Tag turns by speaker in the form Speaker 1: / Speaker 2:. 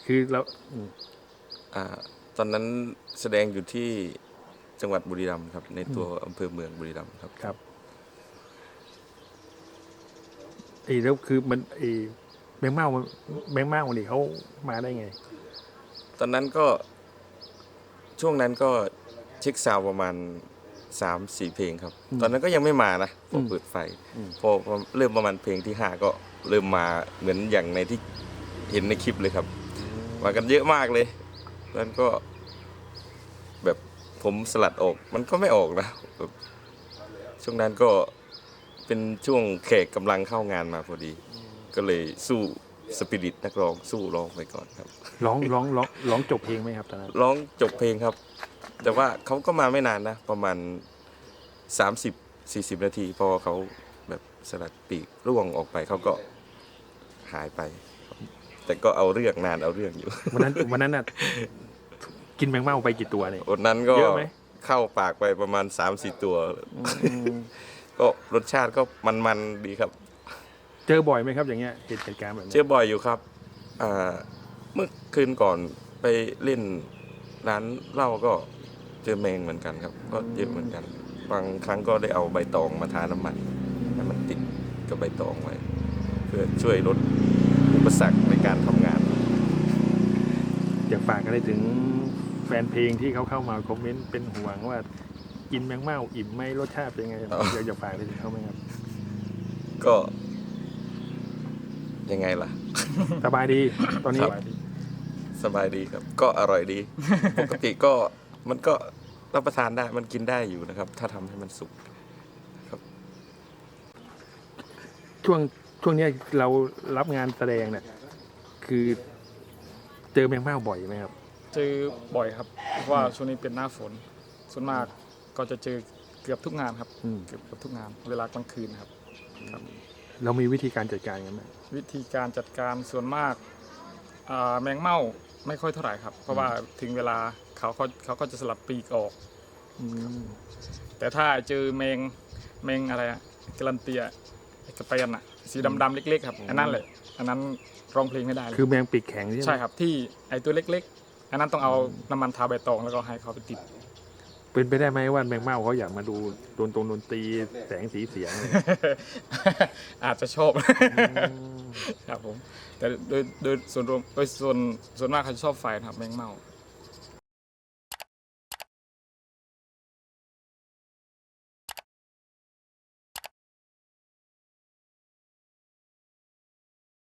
Speaker 1: คือเรา
Speaker 2: ตอนนั้นแสดงอยู่ที่จังหวัดบุรีรัมย์ครับในตัวอำเภอเมืองบุรีรัมย์ครับ
Speaker 1: ครับแล้วคือมันแมงเม่าวันนี้เขามาได้ไง
Speaker 2: ตอนนั้นก็ช่วงนั้นก็เช็คซาวประมาณ3-4 เพลงครับตอนนั้นก็ยังไม่มานะพอเปิดไฟพอเริ่มประมาณเพลงที่5ก็เริ่มมาเหมือนอย่างในที่เห็นในคลิปเลยครับมากันเยอะมากเลยแล้วก็แบบผมสลัดออกมันก็ไม่ออกนะช่วงนั้นก็เป็นช่วงแขกกำลังเข้างานมาพอดีก็เลยสู้สปิริตนักร้องสู้ร้องไปก่อนครับ
Speaker 1: ร้องจบเพลงไหมครับตอนนั้น
Speaker 2: ร้องจบเพลงครับแต่ว่าเขาก็มาไม่นานนะประมาณ30-40 นาทีพอเขาแบบสลัดปีกร่วงออกไปเขาก็หายไปแต่ก็เอาเรื่องนานเอาเรื่องอยู่
Speaker 1: วันนั้นน่ะกินแมงเม่าไปกี่ตัวเนี่ย
Speaker 2: วันนั้นก็
Speaker 1: เยอะไหม
Speaker 2: เข้าปากไปประมาณ3-4 ตัวก็รสชาติก็มันๆดีครับ
Speaker 1: เจอบ่อยไหมครับอย่างเงี้ยเหตุการณ์แบบนี้
Speaker 2: เจอบ่อยอยู่ครับเมื่อคืนก่อนไปเล่นร้านเหล้าก็เจอแมงเหมือนกันครับก็เยอะเหมือนกันบางครั้งก็ได้เอาใบตองมาทาน้ำมันให้มันติดกับใบตองไว้เพื่อช่วยลดอุปสรรคในการทำงาน
Speaker 1: อยากฝากอะไรถึงแฟนเพลงที่เขาเข้ามาคอมเมนต์เป็นห่วงว่ากินแมงเม่าอิ่มไหมรสชาติเป็นไงอยากฝากอะไรถึงเขาไหมครับ
Speaker 2: ก็ยังไงล่ะ
Speaker 1: สบายดีตอนนี้
Speaker 2: สบายดีครับก็อร่อยดีปกติก็มันก็รับประทานได้มันกินได้อยู่นะครับถ้าทำให้มันสุกครับ
Speaker 1: ช่วงนี้เรารับงานแสดงเนี่ยคือเจอแมงเม่าบ่อยไหมครับ
Speaker 3: เจอบ่อยครับเพราะว่าช่วงนี้เป็นหน้าฝนส่วนมากก็จะเจอเกือบทุกงานครับเกือบทุกงานเวลากลางคืนครับ
Speaker 1: เรามีวิธีการจัดการกันไหม
Speaker 3: วิธีการจัดการส่วนมากแมงเม่าไม่ค่อยเท่าไหร่ครับเพราะว่าถึงเวลาเขาก็จะสลัดปีกออกแต่ถ้าเจอแมงอะไรกรันเตียกระเปียนสีดำๆเล็กๆครับอันนั้นแหละอันนั้นร้องเพลงไม่ได้
Speaker 1: คือแมงปีกแข็ง
Speaker 3: ใช่ครับที่ไอตัวเล็กๆอันนั้นต้องเอาน้ำมันทาใบตองแล้วก็ให้เขาไปติด
Speaker 1: เป็นไปได้ไหมว่าแมงเม่าเขาอยากมาดูดนตรีแสงสีเสียง
Speaker 3: อาจจะชอบครับผมแต่โดยส่วนรวมส่วนมากเขาชอบไฟครับแมงเม่า